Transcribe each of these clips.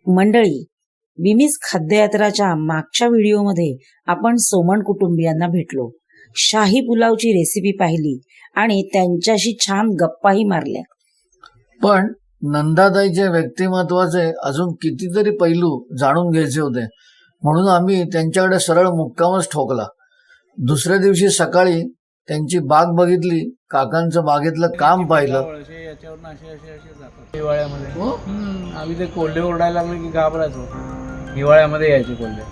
मंडळी, विमीज खाद्ययात्राच्या मागच्या व्हिडिओमध्ये आपण सोमण कुटुंबियांना भेटलो, शाही पुलावची रेसिपी पाहिली आणि त्यांच्याशी छान गप्पाही मारल्या. पण नंदाताईच्या व्यक्तिमत्वाचे अजून कितीतरी पैलू जाणून घ्यायचे होते, म्हणून आम्ही त्यांच्याकडे सरळ मुक्कामच ठोकला. दुसऱ्या दिवशी सकाळी त्यांची बाग बघितली, काकांचं बागेतलं काम पाहिलं. हिवाळ्यामध्ये आम्ही ते कोल्हे ओरडायला लागले की घाबरायचो. हिवाळ्यामध्ये यायचे कोल्हे.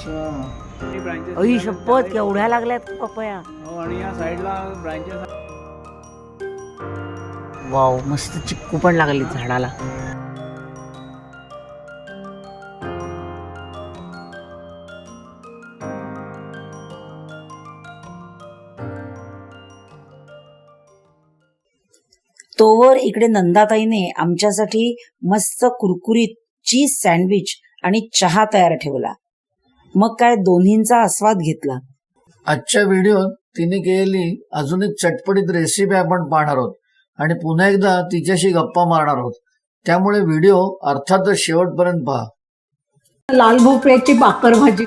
अई शपथ, केवढ्या लागल्यात पपया. हो, आणि या साईडला ब्रांचेस. वाव, मस्त चिक्कू पण लागली झाडाला. तोवर इकडे नंदाताईने आमच्यासाठी मस्त कुरकुरीत चीज सँडविच आणि चहा तयार ठेवला. मग काय दोन्हींचा आस्वाद घेतला. आजच्या व्हिडिओत तिने केलेली अजून एक चटपटीत रेसिपी आपण पाहणार आहोत आणि पुन्हा एकदा तिच्याशी गप्पा मारणार आहोत. त्यामुळे व्हिडिओ अर्थातच शेवटपर्यंत पहा. लाल भोपळ्याची बाकर भाजी.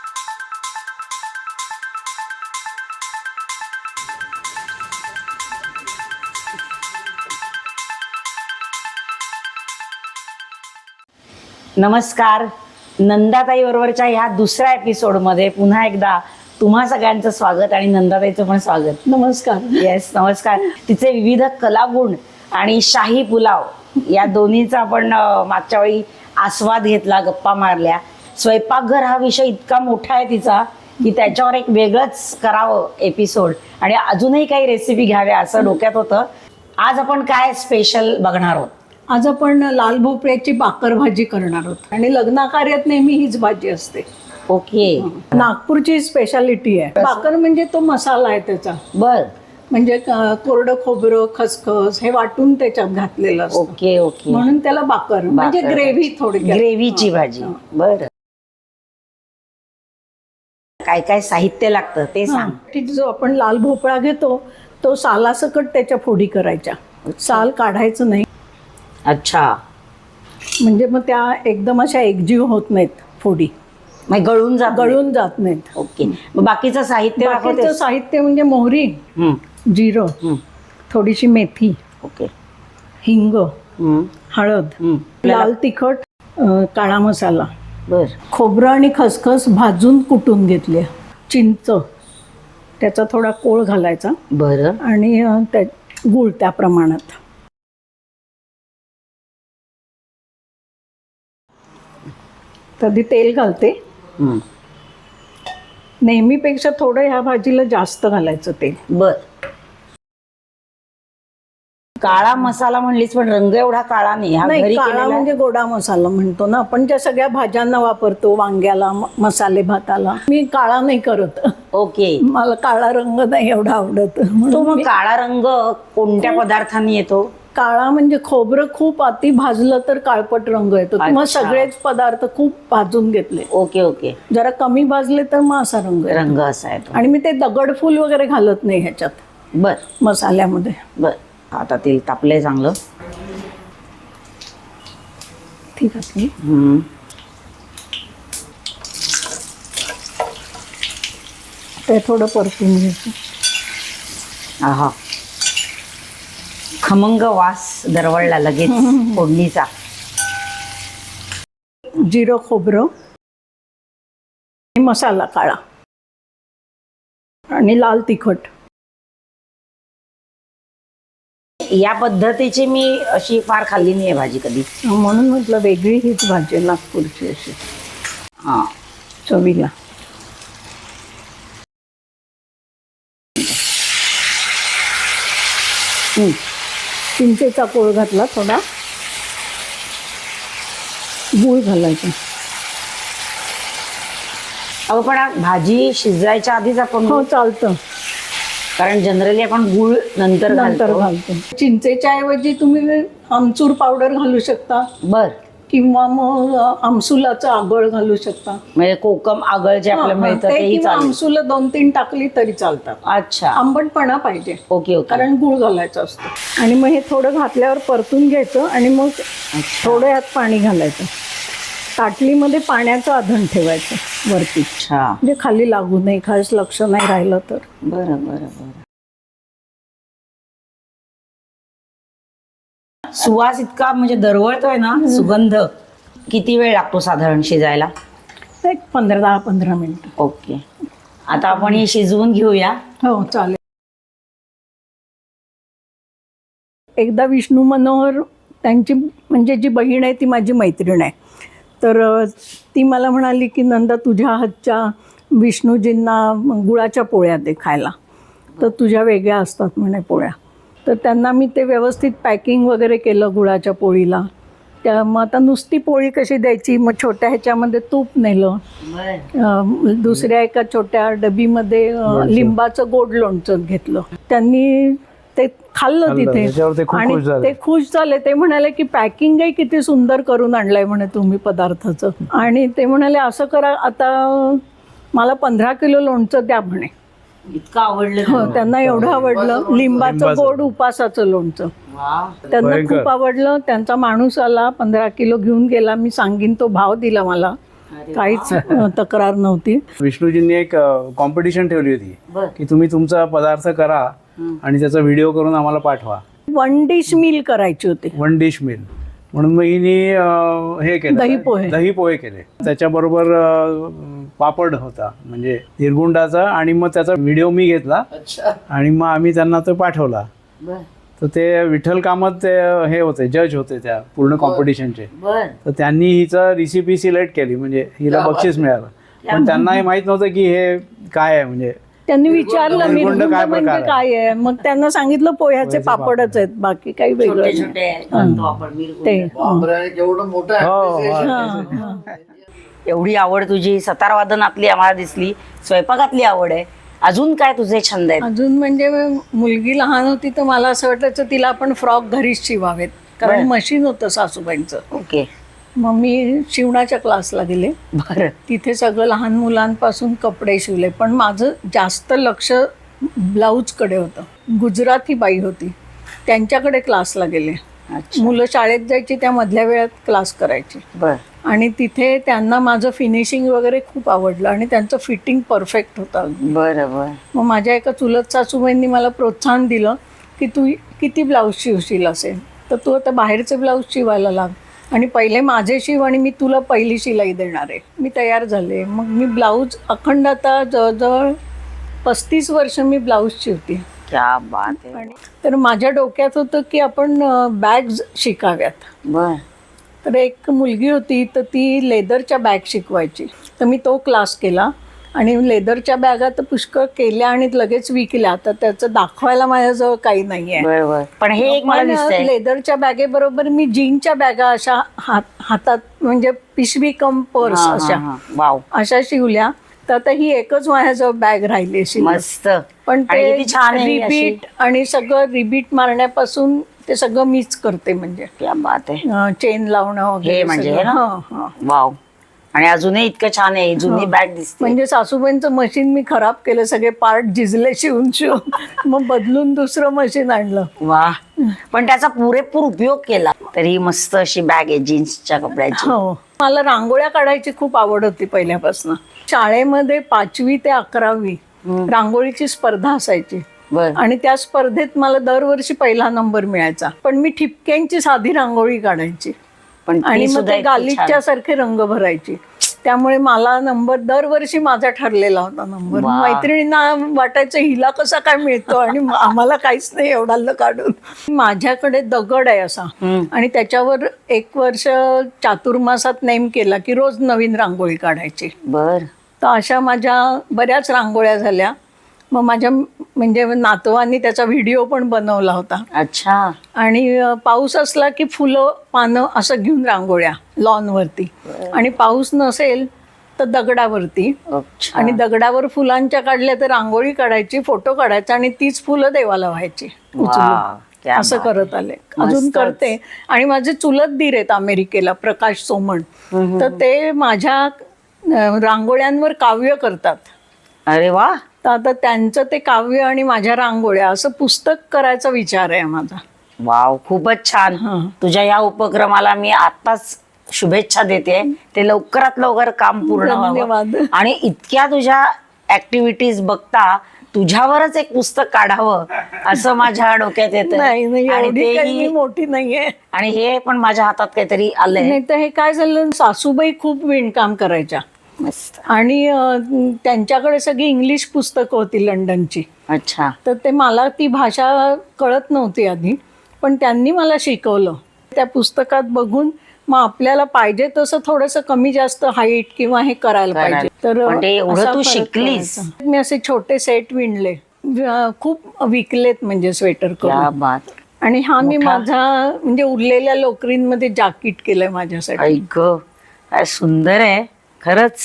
नमस्कार. नंदाताई बरोबरच्या ह्या दुसऱ्या एपिसोडमध्ये पुन्हा एकदा तुम्हा सगळ्यांचं स्वागत आणि नंदाताईचं पण स्वागत. नमस्कार. येस, नमस्कार. तिचे विविध कलागुण आणि शाही पुलाव या दोन्हीचा आपण मागच्या वेळी आस्वाद घेतला, गप्पा मारल्या. स्वयंपाकघर हा विषय इतका मोठा आहे तिचा की त्याच्यावर एक वेगळंच करावं एपिसोड आणि अजूनही काही रेसिपी घ्याव्या असं डोक्यात होतं. आज आपण काय स्पेशल बघणार आहोत? आज आपण लाल भोपळ्याची बाकर भाजी करणार आहोत आणि लग्नाकार्यात नेहमी हीच भाजी असते. ओके. नागपूरची स्पेशालिटी आहे. बाकर म्हणजे तो मसाला आहे त्याचा. बर. म्हणजे कोरडं खोबरं, खसखस हे वाटून त्याच्यात घातलेलं असतं. Okay okay. म्हणून त्याला बाकर म्हणजे ग्रेव्ही, थोडी ग्रेव्हीची भाजी. बर. काय काय साहित्य लागतं ते सांग. जो आपण लाल भोपळा घेतो तो सालासकट त्याच्या फोडी करायच्या. साल काढायचं नाही. अच्छा. म्हणजे मग त्या एकदम अशा एकजीव होत नाहीत फोडी, मग गळून जात नाहीत. ओके. मग बाकीचं साहित्य बाकीचं साहित्य म्हणजे मोहरी, जिरं, थोडीशी मेथी, ओके, हिंग, हळद, लाल तिखट, काळा मसाला. बर. खोबरं आणि खसखस भाजून कुटून घेतले. चिंच, त्याचा थोडा कोळ घालायचा. बरं. आणि गूळ त्या प्रमाणात. कधी तेल घालते. नेहमीपेक्षा थोडं ह्या भाजीला जास्त घालायचं तेल. बर. काळा मसाला म्हणलीस पण रंग एवढा काळा नाही. हा नाही, घरी काळा केलेला म्हणजे गोडा मसाला म्हणतो ना आपण, ज्या सगळ्या भाज्यांना वापरतो, वांग्याला, मसाले भाताला. मी काळा नाही करत. ओके. मला काळा रंग नाही एवढा आवडत. तो मग काळा रंग कोणत्या पदार्थांनी येतो? काळा म्हणजे खोबरं खूप अति भाजलं तर काळपट रंग येतो. मग सगळेच पदार्थ खूप भाजून घेतले. Okay okay. जरा कमी भाजले तर मग असा रंग असा येतो. आणि मी ते दगडफूल वगैरे घालत नाही ह्याच्यात. बर. मसाल्यामध्ये. बर. आता तेल तापलंय चांगलं. ठीक आहे. ते थोडं परतून घ्यायचं. आहा, खमंग वास दरवळला लगेच फोडणीचा. जिरं, खोबरं, मसाला काळा आणि लाल तिखट. या पद्धतीची मी अशी फार खाल्ली नाही भाजी कधी, म्हणून म्हटलं वेगळी हीच भाजी आहे नागपूरची अशी. हा, चवीला. चिंचेचा कोळ घातला, थोडा गूळ घालायचा. अहो पण भाजी शिजायच्या आधीच आपण हो, चालतं. कारण जनरली आपण गूळ नंतर घालतो. चिंचेच्या ऐवजी तुम्ही आमचूर पावडर घालू शकता. बर. किंवा मग आमसुलाचं आगळ घालू शकता. म्हणजे कोकम आगळ जे आपल्याला मिळतं तेही चालेल. आमसुला 2-3 टाकली तरी चालतात. अच्छा. आंबटपणा पाहिजे. Okay okay. कारण गूळ घालायचा असतो. आणि मग हे थोडं घातल्यावर परतून घ्यायचं आणि मग थोडं यात पाणी घालायचं. ताटलीमध्ये पाण्याचं आधण ठेवायचं वरती, अच्छा, म्हणजे खाली लागू नये, खास लक्ष नाही राहिलं तर. बरं बरं बरं. सुवास इतका म्हणजे दरवळतोय ना, सुगंध. किती वेळ लागतो साधारण शिजायला? एक 10-15 मिनिटं. ओके, आता आपण हे शिजवून घेऊया. हो चालेल. एकदा विष्णू मनोहर त्यांची म्हणजे जी बहीण आहे ती माझी मैत्रीण आहे, तर ती मला म्हणाली की नंदा तुझ्या हातच्या विष्णूजींना गुळाच्या पोळ्या दे खायला, तर तुझ्या वेगळ्या असतात म्हणे पोळ्या. तर त्यांना मी ते व्यवस्थित पॅकिंग वगैरे केलं गुळाच्या पोळीला. मग आता नुसती पोळी कशी द्यायची, मग छोट्या ह्याच्यामध्ये तूप नेलं, दुसऱ्या एका छोट्या डबीमध्ये लिंबाचं गोड लोणचं घेतलं. त्यांनी ते खाल्लं तिथे आणि ते खुश झाले. ते म्हणाले की पॅकिंगही किती सुंदर करून आणलंय म्हणे तुम्ही पदार्थाचं. आणि ते म्हणाले असं करा, आता मला 15 किलो लोणचं द्या म्हणे. इतकं आवडलं हो, त्यांना एवढं आवडलं. लिंबाचं गोड उपासाचं लोणचं त्यांना खूप आवडलं. त्यांचा माणूस आला, 15 किलो घेऊन गेला. मी सांगीन तो भाव दिला मला, काहीच तक्रार नव्हती. विष्णूजींनी एक कॉम्पिटिशन ठेवली होती की तुम्ही तुमचा पदार्थ करा आणि त्याचा व्हिडिओ करून आम्हाला पाठवा. 1 डिश मील करायची होती. 1 डिश मील म्हणून मग हिने हे केलं, दही पोहे केले. त्याच्याबरोबर पापड होता म्हणजे निरगुंडाचा, आणि मग त्याचा व्हिडिओ मी घेतला आणि मग आम्ही त्यांना तो पाठवला. तर ते विठ्ठल कामत ते हे होते, जज होते त्या पूर्ण कॉम्पिटिशनचे. तर त्यांनी हिचं रेसिपी सिलेक्ट केली, म्हणजे हिला बक्षीस मिळालं. पण त्यांना हे माहित नव्हतं की हे काय आहे. म्हणजे त्यांनी विचारलं निर्गुंड म्हणजे काय आहे, मग त्यांना सांगितलं पोह्याचे पापडच आहेत, बाकी काही वेगळं ते. एवढी आवड तुझी सतार वादनातली आम्हाला दिसली, स्वयंपाकातली आवड आहे. अजून काय तुझे छंद आहेत? अजून म्हणजे मुलगी लहान होती तर मला असं वाटायचं तिला आपण फ्रॉक घरीच शिवावेत, कारण मशीन होतं सासूबाईंचं. ओके, मग मी शिवणाच्या क्लासला गेले. बरं. तिथे सगळं लहान मुलांपासून कपडे शिवले, पण माझं जास्त लक्ष ब्लाऊजकडे होतं. गुजराती बाई होती, त्यांच्याकडे क्लासला गेले. मुलं शाळेत जायची, त्या मधल्या वेळात क्लास करायची. बरं. आणि तिथे त्यांना माझं फिनिशिंग वगैरे खूप आवडलं आणि त्यांचं फिटिंग परफेक्ट होतं. बरं बरं. मग माझ्या एका चुलत सासूबाईंनी मला प्रोत्साहन दिलं की तू किती ब्लाऊज शिवशील असेल, तर तू आता बाहेरचे ब्लाऊज शिवायला लाग आणि पहिले माझे शिव आणि मी तुला पहिली शिलाई देणार आहे. मी तयार झाले. मग मी ब्लाऊज अखंड आता जवळजवळ 35 वर्ष मी ब्लाऊज शिवते. क्या बात आहे. तर माझ्या डोक्यात होतं की आपण बॅग्स शिकाव्यात. बर. तर एक मुलगी होती, तर ती लेदरच्या बॅग शिकवायची. तर मी तो क्लास केला आणि लेदरच्या बॅगा तर पुष्कळ केल्या आणि लगेच विकल्या. तर त्याचं दाखवायला माझ्याजवळ काही नाही आहे. बरोबर. पण हे एक मला दिसतंय, लेदरच्या बॅगेबरोबर मी जीनच्या बॅगा अशा हातात म्हणजे पिशवी कम पर्स वाव अशा शिवल्या. तर आता ही एकच माझ्याजवळ बॅग राहिली अशी मस्त. पण ते किती छान आहे रिबीट आणि सगळं रिबीट मारण्यापासून ते सगळं मीच करते. म्हणजे क्या बात आहे. चेन लावणं वगैरे म्हणजे सगळं. वाव. आणि अजूनही इतकं छान आहे. जुनी बॅग दिसते. म्हणजे सासूबाईंचं मशीन मी खराब केलं, सगळे पार्ट झिजले शिवून मग बदलून दुसरं मशीन आणलं. वा. पण त्याचा पुरेपूर उपयोग केला. तरी मस्त अशी बॅग आहे जीन्सच्या कपड्याची. हो. मला रांगोळ्या काढायची खूप आवड होती पहिल्यापासून. शाळेमध्ये 5वी ते 11वी रांगोळीची स्पर्धा असायची आणि त्या स्पर्धेत मला दरवर्षी पहिला नंबर मिळायचा. पण मी ठिपक्यांची साधी रांगोळी काढायची आणि मग ते गालिच्या सारखे रंग भरायची. त्यामुळे मला नंबर दरवर्षी माझा ठरलेला होता नंबर. मैत्रिणींना वाटायचं हिला कसा काय मिळतो आणि आम्हाला काहीच नाही एवढा काढून. माझ्याकडे दगड आहे असा आणि त्याच्यावर 1 वर्ष चातुर्मासात नेम केला की रोज नवीन रांगोळी काढायची. बर. तर अशा माझ्या बऱ्याच रांगोळ्या झाल्या. मग माझ्या म्हणजे नातवांनी त्याचा व्हिडिओ पण बनवला होता. अच्छा. आणि पाऊस असला की फुलं पानं असं घेऊन रांगोळ्या लॉनवरती, आणि पाऊस नसेल तर दगडावरती. आणि दगडावर फुलांच्या काढल्या तर रांगोळी काढायची, फोटो काढायचा आणि तीच फुलं देवाला व्हायची उचलून. असं करत आले, अजून करते. आणि माझे चुलत दीर आहेत अमेरिकेला, प्रकाश सोमण. तर ते माझ्या रांगोळ्यांवर काव्य करतात. अरे वा. तर आता त्यांचं ते काव्य आणि माझ्या रांगोळ्या असं पुस्तक करायचा विचार आहे माझा. वाव, खूपच छान. तुझ्या या उपक्रमाला मी आताच शुभेच्छा देते. ते लवकरात लवकर काम पूर्ण व्हावं. धन्यवाद. आणि इतक्या तुझ्या ऍक्टिव्हिटीज बघता तुझ्यावरच एक पुस्तक काढावं असं माझ्या डोक्यात येतं. नाही नाही, आणि एवढी काही मी तेही मोठी नाहीये. आणि हे पण माझ्या हातात काहीतरी आलंय. नाही तर हे काय झालं, सासूबाई खूप विणकाम करायच्या मस्त. आणि त्यांच्याकडे सगळी इंग्लिश पुस्तकं होती लंडनची. अच्छा. तर ते मला ती भाषा कळत नव्हती आधी, पण त्यांनी मला शिकवलं. त्या पुस्तकात बघून मग आपल्याला पाहिजे तसं थोडंसं कमी जास्त हाईट किंवा हे करायला पाहिजे. तर पण ते एवढं असा तू फरक शिकलीस. करायचा. मी असे छोटे सेट विणले, खूप विकलेत म्हणजे स्वेटर क्या करून. बात. आणि हा मी मोठा. माझा म्हणजे उरलेल्या लोकरींमध्ये जाकीट केलंय माझ्यासाठी. ऐक काय सुंदर आहे खरंच.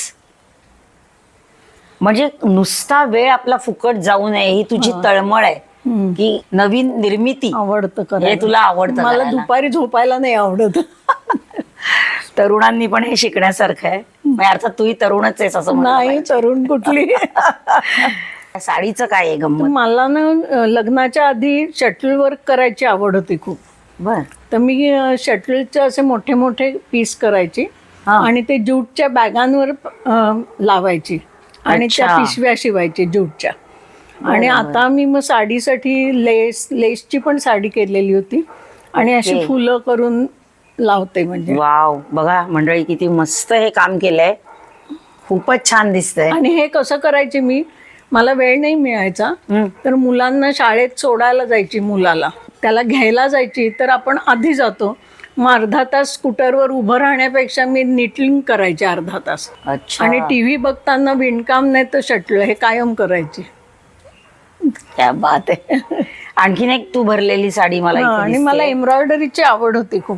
म्हणजे नुसता वेळ आपला फुकट जाऊ नये ही तुझी तळमळ आहे की नवीन निर्मिती आवडतं हे करायला. तुला आवडतं मला करायला. दुपारी झोपायला नाही आवडत. तरुणांनी पण हे शिकण्यासारखं आहे. म्हणजे अर्थात तूही तरुणच आहेस असं म्हणलं नाही पाहिजे. तरुण कुठली. साडीचं काय आहे गंमत? मला ना लग्नाच्या आधी शटल वर्क करायची आवड होती खूप. बर. तर मी शटलचे असे मोठे मोठे पीस करायची हा. आणि ते ज्यूटच्या बॅगांवर लावायची आणि त्या अच्छा. पिशव्या शिवायची ज्यूटच्या. आणि आता मी मग साडीसाठी लेसची पण साडी केलेली होती आणि अशी ओके. फुलं करून लावते. म्हणजे वाव, बघा मंडळी किती मस्त हे काम केलंय. खूपच छान दिसतंय. आणि हे कसं करायचे, मी मला वेळ नाही मिळायचा तर मुलांना शाळेत सोडायला जायची, मुलाला त्याला घ्यायला जायची, तर आपण आधी जातो. मग अर्धा तास स्कूटरवर उभं राहण्यापेक्षा मी निटलिंग करायचे अर्धा तास. अच्छा. आणि टीव्ही बघताना विणकाम नाही तर शटल हे कायम करायची. क्या बात आहे. आणखीन एक तू भरलेली साडी मला इथे आणि दिसतेय. मला एम्ब्रॉयडरीची आवड होती खूप.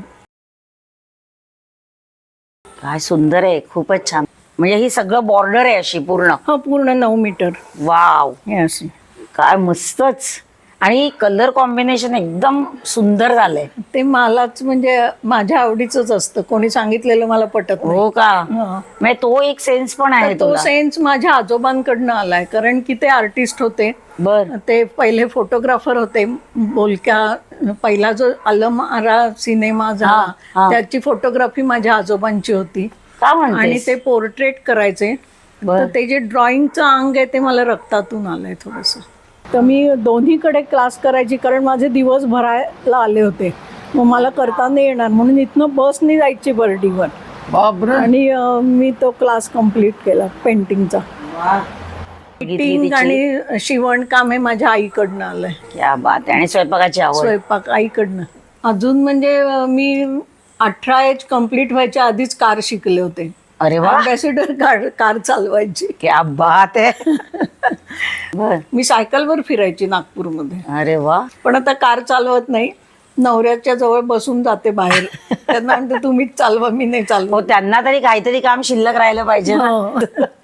काय सुंदर आहे, खूपच छान. म्हणजे ही सगळं बॉर्डर आहे अशी पूर्ण. हा पूर्ण 9 मीटर वाव, हे असे. काय मस्तच. आणि कलर कॉम्बिनेशन एकदम सुंदर झालंय. ते मलाच म्हणजे माझ्या आवडीच असतं, कोणी सांगितलेलं मला पटत नाही. हो का? हा. म्हणजे तो एक सेन्स पण आहे तर तो तुला. सेन्स माझ्या आजोबांकडनं आलाय, कारण की ते आर्टिस्ट होते. बर. ते पहिले फोटोग्राफर होते. बोलक्या पहिला जो अलमारा सिनेमा झाला हा. त्याची फोटोग्राफी माझ्या आजोबांची होती. का आणि म्हणतेस? ते पोर्ट्रेट करायचे. बर. तर ते जे ड्रॉइंगचं अंग आहे ते मला रक्तातून आलंय थोडंसं. तर मी दोन्हीकडे क्लास करायची, कारण माझे दिवस भरायला आले होते. मग मला करता नाही येणार म्हणून इथनं बसनी जायची बर्डीवर. बापरे. आणि मी तो क्लास कम्प्लीट केला पेंटिंगचा. वा. पेंटिंग आणि शिवणकाम हे माझ्या आईकडनं आलंय. क्या बात आहे. आणि स्वयंपाकाची आवड. स्वयंपाक आईकडनं. अजून म्हणजे मी 18 एज कम्प्लीट व्हायच्या आधीच कार शिकले होते. अरे वा, अम्बॅसिडर कार चालवायची. क्या बात आहे. बर. मी सायकलवर फिरायची नागपूरमध्ये. अरे वा. पण आता कार चालवत नाही, नवऱ्याच्या जवळ बसून जाते बाहेर. त्यांना म्हणते तुम्हीच चालवा, मी नाही हो, चालवत. त्यांना तरी काहीतरी काम शिल्लक राहिलं पाहिजे ना. हो.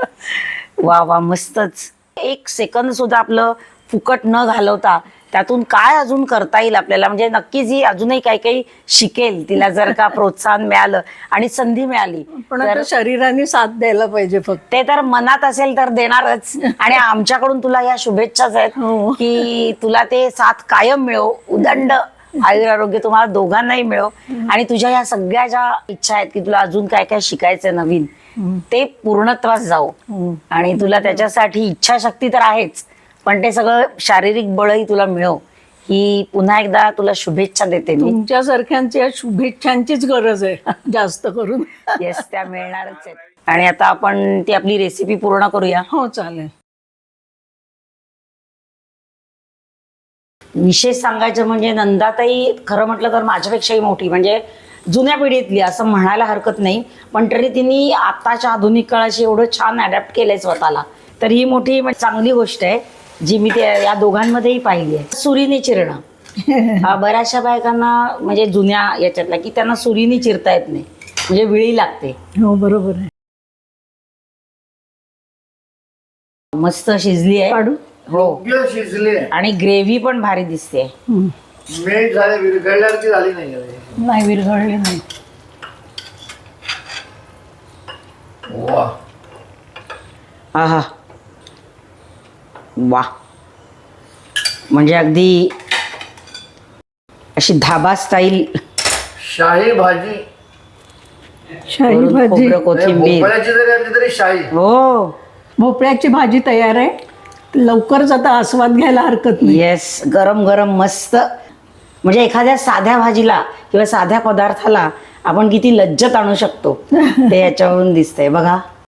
वा वा, मस्तच. एक सेकंद सुद्धा आपलं फुकट न घालवता त्यातून काय अजून करता येईल आपल्याला. म्हणजे नक्कीच ही अजूनही काही काही शिकेल, तिला जर का प्रोत्साहन मिळालं आणि संधी मिळाली. पण आता शरीराने साथ द्यायला पाहिजे फक्त. ते तर मनात असेल तर देणारच. आणि आमच्याकडून तुला या शुभेच्छाच आहेत हो. की तुला ते साथ कायम मिळो, उदंड आयुरारोग्य तुम्हाला दोघांनाही मिळो. आणि तुझ्या या सगळ्या ज्या इच्छा आहेत की तुला अजून काय काय शिकायचंय नवीन, ते पूर्णत्वास जाऊ. आणि तुला त्याच्यासाठी इच्छाशक्ती तर आहेच, पण ते सगळं शारीरिक बळही तुला मिळो, ही पुन्हा एकदा तुला शुभेच्छा देते मी. तुमच्यासारख्यांच्या शुभेच्छांचीच गरज आहे जास्त करून. येस, त्या मिळणारच आहेत. आणि आता आपण ती आपली रेसिपी पूर्ण करूया. हो चालेल. विशेष सांगायचं म्हणजे नंदाताई खरं म्हटलं तर माझ्यापेक्षाही मोठी, म्हणजे जुन्या पिढीतली असं म्हणायला हरकत नाही, पण तरी तिने आताच्या आधुनिक काळाशी एवढं छान अडॅप्ट केलंय स्वतःला. तर ही मोठी चांगली गोष्ट आहे जी मी या दोघांमध्येही पाहिली आहे. सुरीने चिरणं हा बऱ्याचशा बायकांना म्हणजे जुन्या याच्यातला की त्यांना सुरीने चिरता येत नाही, म्हणजे विळी लागते. हो बरोबर आहे. मस्त शिजली आहे. काढू. हो, योग्य शिजले. आणि ग्रेव्ही पण भारी दिसते. मेल्ट झाले, विरघळल्यासारखी झाली नाही. नाही विरघळली नाही. वा. आहा, वा. म्हणजे अगदी अशी धाबा स्टाईल. शाही भाजी. शाही वरून भाजी. खोबरं, कोथिंबीर. भोपळ्याची जरी आणली तरी शाही. हो भोपळ्याची भाजी तयार आहे. लवकरच आता आस्वाद घ्यायला हरकत नाही. येस, गरम गरम मस्त. म्हणजे एखाद्या साध्या भाजीला किंवा साध्या पदार्थाला आपण किती लज्जत आणू शकतो ते याच्यावरून दिसतंय बघा.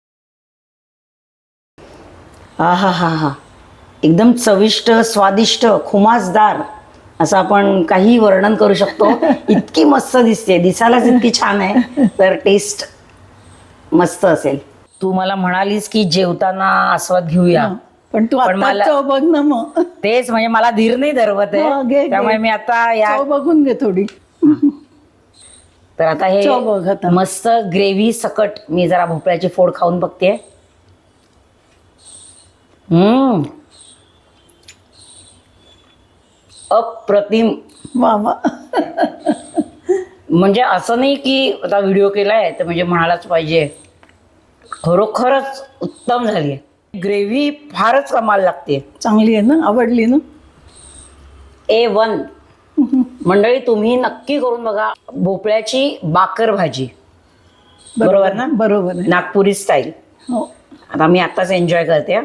हा हा हा हा, एकदम चविष्ट, स्वादिष्ट, खुमासदार असं आपण काही वर्णन करू शकतो. इतकी मस्त दिसते, दिसायलाच इतकी छान आहे, तर टेस्ट मस्त असेल. तू मला म्हणालीस की जेवताना आस्वाद घेऊया, पण तू पण आता मला- चव बघ ना मग. तेच म्हणजे मला धीर नाही धरवत घे, आहे, घे. त्यामुळे मी आता या चव बघून घे थोडी. तर आता चव बघ आता. हे मस्त ग्रेव्ही सकट मी जरा भोपळ्याची फोड खाऊन बघते. अप्रतिम. वा वा. म्हणजे असं नाही की आता व्हिडिओ केलाय तर म्हणजे म्हणायलाच पाहिजे, खरोखरच उत्तम झाली. ग्रेव्ही फारच कमाल लागते. चांगली आहे ना, आवडली ना. A1. मंडळी तुम्ही नक्की करून बघा भोपळ्याची बाकर भाजी. बरोबर ना? बरोबर आहे. नागपुरी स्टाईल. हो. आता मी आताच एन्जॉय करते.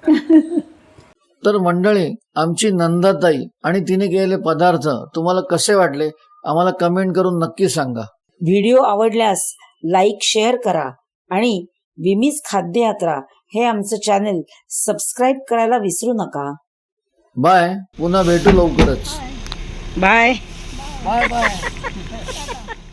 तर मंडळी, आमची नंदाताई आणि तिने केलेले पदार्थ तुम्हाला कसे वाटले आम्हाला कमेंट करून नक्की सांगा. व्हिडिओ आवडल्यास लाईक, शेअर करा आणि विमीज खाद्य यात्रा हे आमचं चॅनल सबस्क्राईब करायला विसरू नका. बाय, पुन्हा भेटू लवकरच. बाय. Bye bye.